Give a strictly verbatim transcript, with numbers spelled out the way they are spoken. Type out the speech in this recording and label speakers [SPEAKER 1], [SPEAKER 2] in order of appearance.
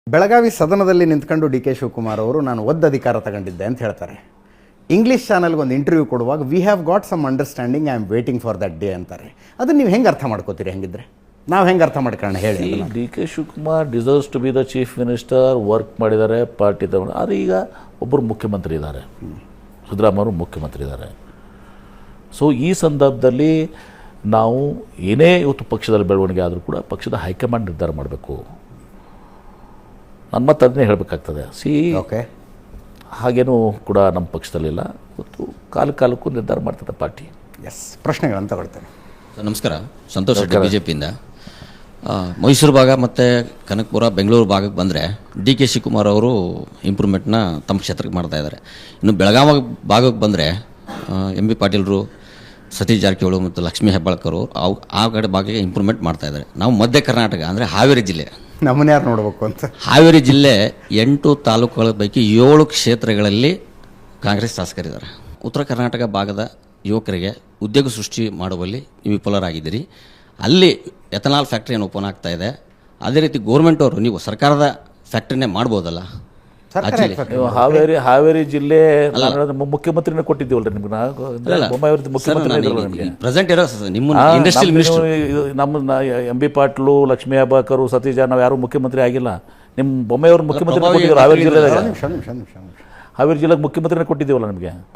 [SPEAKER 1] ಬೆಳಗಾವಿ ಸದನದಲ್ಲಿ ನಿಂತ್ಕೊಂಡು D K Shivakumar ಅವರು ನಾನು ಒದ್ದು ಅಧಿಕಾರ ತಗೊಂಡಿದ್ದೆ ಅಂತ ಹೇಳ್ತಾರೆ. ಇಂಗ್ಲೀಷ್ ಚಾನಲ್ಗೆ ಒಂದು ಇಂಟರ್ವ್ಯೂ ಕೊಡುವಾಗ we have got some understanding I am waiting for that day ಅಂತಾರೆ. ಅದನ್ನು ನೀವು ಹೆಂಗೆ ಅರ್ಥ ಮಾಡ್ಕೋತೀರಿ? ಹೆಂಗಿದ್ರೆ ನಾವು ಹೆಂಗೆ ಅರ್ಥ ಮಾಡ್ಕೊಳ್ಳೋಣ ಹೇಳಿ.
[SPEAKER 2] D K Shivakumar deserves to be the chief minister, work ಮಾಡಿದ್ದಾರೆ, ಪಾರ್ಟಿ ತಗೊಂಡು. ಆದರೆ ಈಗ ಒಬ್ಬರು ಮುಖ್ಯಮಂತ್ರಿ ಇದ್ದಾರೆ, ಸಿದ್ದರಾಮಯ್ಯವರು ಮುಖ್ಯಮಂತ್ರಿ ಇದ್ದಾರೆ. ಸೊ ಈ ಸಂದರ್ಭದಲ್ಲಿ ನಾವು ಏನೇ ಇವತ್ತು ಪಕ್ಷದಲ್ಲಿ ಬೆಳವಣಿಗೆ ಆದರೂ ಕೂಡ ಪಕ್ಷದ ಹೈಕಮಾಂಡ್ ನಿರ್ಧಾರ ಮಾಡಬೇಕು. ನನ್ನ ಮತ್ತೆ ಅದನ್ನೇ ಹೇಳಬೇಕಾಗ್ತದೆ. ಸಿ
[SPEAKER 1] ಓಕೆ,
[SPEAKER 2] ಹಾಗೇನೂ ಕೂಡ ನಮ್ಮ ಪಕ್ಷದಲ್ಲಿಲ್ಲ. ಇವತ್ತು ಕಾಲ ಕಾಲಕ್ಕೂ ನಿರ್ಧಾರ ಮಾಡ್ತದೆ ಪಾರ್ಟಿ.
[SPEAKER 1] ಎಸ್, ಪ್ರಶ್ನೆಗಳನ್ನು ತಗೊಳ್ತೇನೆ.
[SPEAKER 3] ನಮಸ್ಕಾರ, ಸಂತೋಷ್ ರೆಡ್ಡಿ ಬಿ ಜೆ ಪಿಯಿಂದ. ಮೈಸೂರು ಭಾಗ ಮತ್ತು ಕನಕಪುರ, ಬೆಂಗಳೂರು ಭಾಗಕ್ಕೆ ಬಂದರೆ ಡಿ ಕೆ ಶಿವಕುಮಾರ್ ಅವರು ಇಂಪ್ರೂವ್ಮೆಂಟ್ನ ತಮ್ಮ ಕ್ಷೇತ್ರಕ್ಕೆ ಮಾಡ್ತಾ ಇದ್ದಾರೆ. ಇನ್ನು ಬೆಳಗಾವಿ ಭಾಗಕ್ಕೆ ಬಂದರೆ ಎಂ ಬಿ ಪಾಟೀಲರು, ಸತೀಶ್ ಜಾರಕಿಹೊಳಿ ಮತ್ತು ಲಕ್ಷ್ಮೀ ಹೆಬ್ಬಾಳ್ಕರ್ ಅವು ಆ ಕಡೆ ಭಾಗಕ್ಕೆ ಇಂಪ್ರೂವ್ಮೆಂಟ್ ಮಾಡ್ತಾ ಇದ್ದಾರೆ. ನಾವು ಮಧ್ಯ ಕರ್ನಾಟಕ ಅಂದರೆ ಹಾವೇರಿ ಜಿಲ್ಲೆ,
[SPEAKER 1] ನಮ್ಮನ್ನ ಯಾರು ನೋಡಬೇಕು ಅಂತ.
[SPEAKER 3] ಹಾವೇರಿ ಜಿಲ್ಲೆ ಎಂಟು ತಾಲೂಕುಗಳ ಪೈಕಿ ಏಳು ಕ್ಷೇತ್ರಗಳಲ್ಲಿ ಕಾಂಗ್ರೆಸ್ ಶಾಸಕರಿದ್ದಾರೆ. ಉತ್ತರ ಕರ್ನಾಟಕ ಭಾಗದ ಯುವಕರಿಗೆ ಉದ್ಯೋಗ ಸೃಷ್ಟಿ ಮಾಡುವಲ್ಲಿ ನೀವು ವಿಫಲರಾಗಿದ್ದೀರಿ. ಅಲ್ಲಿ ಎಥನಾಲ್ ಫ್ಯಾಕ್ಟ್ರಿಯನ್ನು ಓಪನ್ ಆಗ್ತಾ ಇದೆ. ಅದೇ ರೀತಿ ಗೋರ್ಮೆಂಟ್ ಅವರು ನೀವು ಸರ್ಕಾರದ ಫ್ಯಾಕ್ಟ್ರಿನೇ ಮಾಡ್ಬೋದಲ್ಲ.
[SPEAKER 2] ಹಾವೇರಿ ಹಾವೇರಿ ಜಿಲ್ಲೆ ಮುಖ್ಯಮಂತ್ರಿನ ಕೊಟ್ಟಿದ್ದೀವಲ್ರಿ ನಿಮ್ಗೆ.
[SPEAKER 3] ಪ್ರೆಸೆಂಟ್ ಇರೋ ನಿಮ್ಮ ಇಂಡಸ್ಟ್ರಿಯಲ್ ಮಿನಿಸ್ಟರ್
[SPEAKER 2] ನಮ್ಮ ಎಂ ಬಿ ಪಾಟೀಲು, ಲಕ್ಷ್ಮೀ ಹೆಬ್ಬಾಳ್ಕರ್, ಸತೀಶ್ ನಾವು ಯಾರು ಮುಖ್ಯಮಂತ್ರಿ ಆಗಿಲ್ಲ. ನಿಮ್ಮ ಬೊಮ್ಮೆಯವರು ಮುಖ್ಯಮಂತ್ರಿ ಕೊಟ್ಟಿದ್ದೀವಿ ಹಾವೇರಿ ಜಿಲ್ಲೆದಾಗ. ಹಾವೇರಿ ಜಿಲ್ಲೆಗೆ ಮುಖ್ಯಮಂತ್ರಿನ ಕೊಟ್ಟಿದ್ದೀವಲ್ಲ ನಿಮಗೆ.